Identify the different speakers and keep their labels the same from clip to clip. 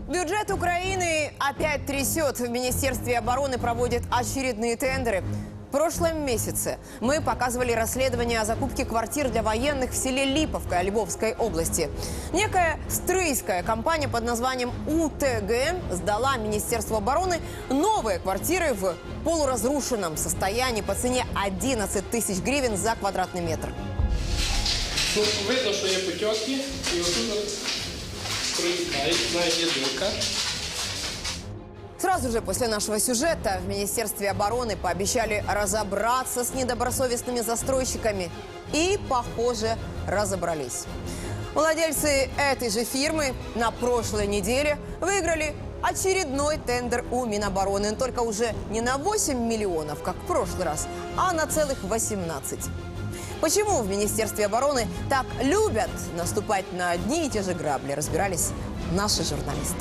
Speaker 1: Бюджет Украины опять трясет. В Министерстве обороны проводят очередные тендеры. В прошлом месяце мы показывали расследование о закупке квартир для военных в селе Липовка Львовской области. Некая стрийская компания под названием УТГ сдала Министерству обороны новые квартиры в полуразрушенном состоянии по цене 11 тысяч гривен за квадратный метр.
Speaker 2: Ну, видно, що є потьоки, і отут протікають, навіть є дирка.
Speaker 1: Сразу же после нашего сюжета в Министерстве обороны пообещали разобраться с недобросовестными застройщиками. И, похоже, разобрались. Владельцы этой же фирмы на прошлой неделе выиграли очередной тендер у Минобороны. Только уже не на 8 миллионов, как в прошлый раз, а на целых 18. Почему в Министерстве обороны так любят наступать на одни и те же грабли, разбирались наши журналисты.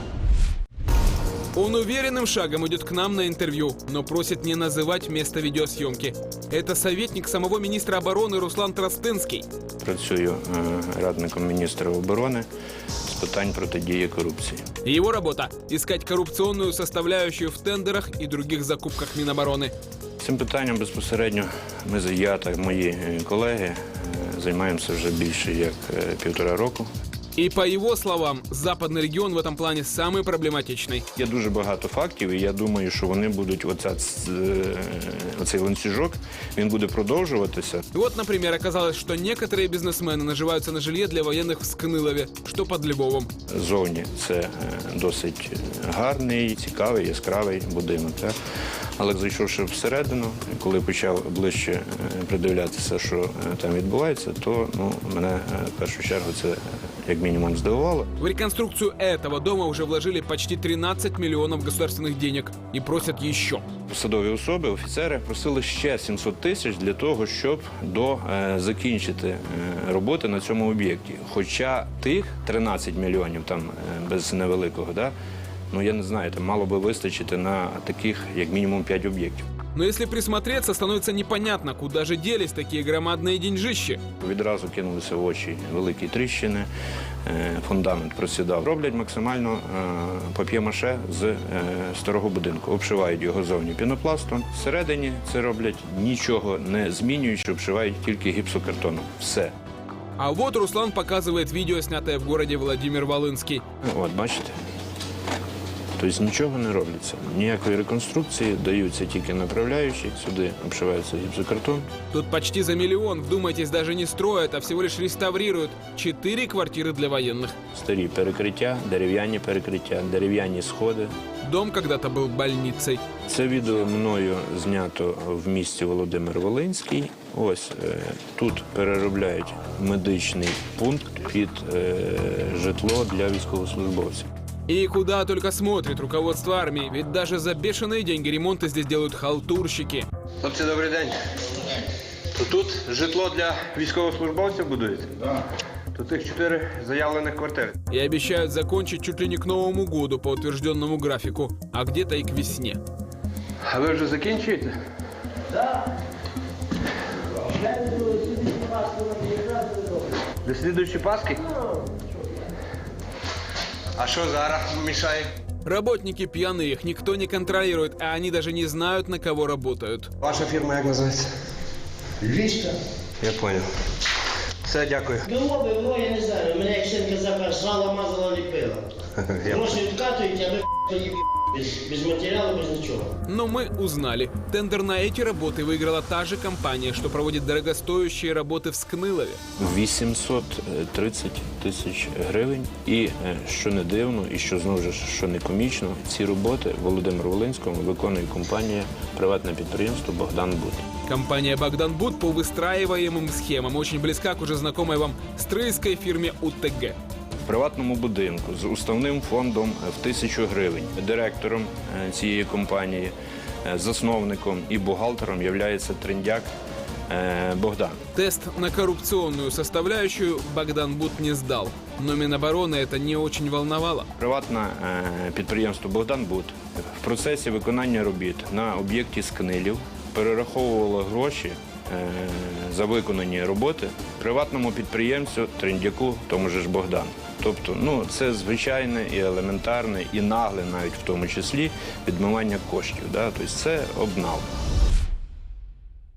Speaker 3: Он уверенным шагом идет к нам на интервью, но просит не называть место видеосъемки. Это советник самого министра обороны Руслан Тростинский.
Speaker 4: Працюю радником міністра оборони з питань протидії корупції.
Speaker 3: Его работа – искать коррупционную составляющую в тендерах и других закупках Минобороны.
Speaker 4: Цим питанням безпосередньо я та мої колеги займаємося вже більше як 1,5 року.
Speaker 3: И по его словам, западный регион в этом плане самый проблематичный.
Speaker 4: Є дуже багато фактів, і я думаю, що вони будуть, оцей ланцюжок, він буде продовжуватися.
Speaker 3: Вот, например, оказалось, что некоторые бизнесмены наживаются на жилье для военных в Скнилове, что под Львовом.
Speaker 4: Зовні це досить гарний, цікавий, яскравий будинок. Так? Але зайшовши всередину, коли почав ближче придивлятися, що там відбувається, то мене в першу чергу це як мінімум здивувало.
Speaker 3: В реконструкцию этого дома уже вложили почти 13 миллионов государственных денег и просят еще.
Speaker 4: Посадові особи, офіцери просили ще 700 тисяч для того, щоб закінчити роботи на цьому об'єкті. Хоча тих 13 мільйонів, там без невеликого, да, я не знаю, там мало би вистачити на таких, як мінімум, 5 об'єктів.
Speaker 3: Но если присмотреться, становится непонятно, куда же делись такие громадные деньжищи.
Speaker 4: Відразу кинулися в очі великі тріщини, фундамент просідав. Роблять максимально пап'є-маше з старого будинку. Обшивають його зовні пінопластом. Всередині це роблять нічого не змінюючи, обшивають тільки гіпсокартоном. Все.
Speaker 3: А вот Руслан показывает видео, снятое в городе Владимир-Волынский.
Speaker 4: От, бачите? Тобто нічого не робиться. Ніякої реконструкції, даються тільки направляючі, сюди обшивається гіпсокартон.
Speaker 3: Тут почти за миллион, вдумайтесь, даже не строят, а всего лишь реставрируют 4 квартиры для военных.
Speaker 4: Старі перекриття, дерев'яні сходи.
Speaker 3: Дом когда-то был больницей.
Speaker 4: Це відео мною знято в місті Володимир-Волинський. Ось тут переробляють медичний пункт під житло для військовослужбовців.
Speaker 3: И куда только смотрит руководство армии, ведь даже за бешеные деньги ремонты здесь делают халтурщики.
Speaker 5: Хлопці, добрий день. То тут житло для військовослужбовців будується? Так. Тут їх 4 заявлених квартири.
Speaker 3: И обещают закончить чуть ли не к Новому году по утвержденному графику, а где-то и к весне.
Speaker 5: А ви вже закінчуєте? Так. До слідуючої Пасхи? А що зараз мішає?
Speaker 3: Работники пьяные, их никто не контролирует, а они даже не знают, на кого работают.
Speaker 5: Ваша фірма як називається?
Speaker 6: Львівська.
Speaker 5: Я зрозумів. Все, дякую.
Speaker 6: Було, я не знаю, мене як син казав, сало мазало ліпила. Гроші відкатують, а ви тоді без матеріалу, без нічого.
Speaker 3: Но мы узнали, тендер на эти работы выиграла та же компания, что проводит дорогостоящие работы в Скнилове.
Speaker 4: 830 тисяч гривень. І, що не дивно, і що знову ж, що не комічно, ці роботи в Володимир-Волинському виконує компанія, приватне підприємство «Богдан Буд».
Speaker 3: Компания «Богдан Буд» по выстраиваемым схемам очень близка к уже знакомой вам стрийской фирме УТГ.
Speaker 4: В приватному будинку з уставним фондом в 1000 гривень. Директором цієї компанії, засновником і бухгалтером є трендяк Богдан.
Speaker 3: Тест на коррупционную составляющую Богдан Буд не сдал. Но Минобороны это не очень волновало.
Speaker 4: Приватне підприємство «Богдан Буд» в процесі виконання робіт на об'єкті Скнилів перераховувало гроші за виконані роботи приватному підприємцю Триндяку, тому ж Богдану. Тобто, це звичайне і елементарне, і нагле навіть в тому числі відмивання коштів. Да? Тобто це обнал.